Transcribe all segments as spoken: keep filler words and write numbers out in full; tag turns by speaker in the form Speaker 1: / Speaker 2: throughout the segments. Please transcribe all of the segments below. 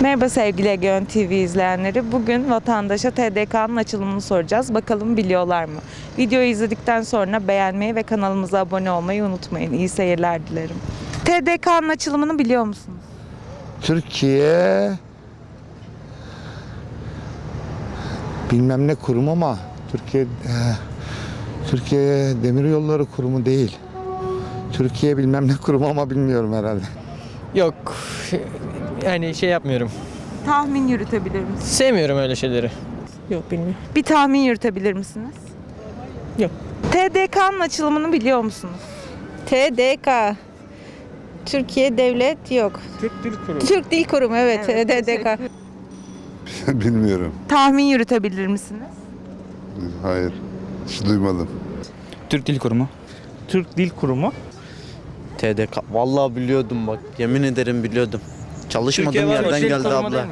Speaker 1: Merhaba sevgili Egeon T V izleyenleri. Bugün vatandaşa T D K'nın açılımını soracağız. Bakalım biliyorlar mı? Videoyu izledikten sonra beğenmeyi ve kanalımıza abone olmayı unutmayın. İyi seyirler dilerim. T D K'nın açılımını biliyor musunuz?
Speaker 2: Türkiye bilmem ne kurumu ama Türkiye e, Türkiye Demiryolları Kurumu değil. Türkiye bilmem ne kurumu ama bilmiyorum herhalde.
Speaker 3: Yok. Yani şey yapmıyorum.
Speaker 1: Tahmin yürütebilir misiniz?
Speaker 3: Sevmiyorum öyle şeyleri. Yok bilmiyorum.
Speaker 1: Bir tahmin yürütebilir misiniz?
Speaker 3: Yok.
Speaker 1: T D K'nın açılımını biliyor musunuz?
Speaker 4: T D K. Türkiye Devlet yok.
Speaker 3: Türk Dil Kurumu.
Speaker 4: Türk Dil Kurumu evet,
Speaker 1: Evet,
Speaker 4: T D K.
Speaker 5: Bilmiyorum.
Speaker 1: Tahmin yürütebilir misiniz?
Speaker 5: Hayır. Hiç duymadım.
Speaker 6: Türk Dil Kurumu.
Speaker 7: Türk Dil Kurumu.
Speaker 8: T D K. Vallahi biliyordum bak. Yemin ederim biliyordum. Çalışmadığım yerden geldi abla.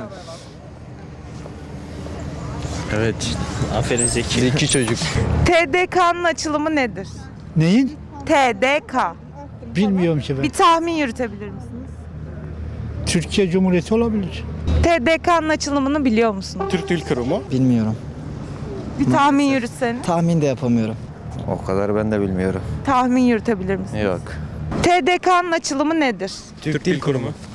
Speaker 8: Evet.
Speaker 3: Aferin Zeki.
Speaker 8: Zeki çocuk.
Speaker 1: T D K'nın açılımı nedir?
Speaker 7: Neyin?
Speaker 1: T D K.
Speaker 7: Bilmiyorum ki ben.
Speaker 1: Bir tahmin yürütebilir misiniz?
Speaker 7: Türkiye Cumhuriyeti olabilir.
Speaker 1: T D K'nın açılımını biliyor musunuz?
Speaker 3: Türk Dil Kurumu.
Speaker 6: Bilmiyorum.
Speaker 1: Bir tahmin yürütseniz.
Speaker 6: Tahmin de yapamıyorum.
Speaker 8: O kadar ben de bilmiyorum.
Speaker 1: Tahmin yürütebilir misiniz?
Speaker 8: Yok.
Speaker 1: T D K'nın açılımı nedir?
Speaker 3: Türk Dil Kurumu.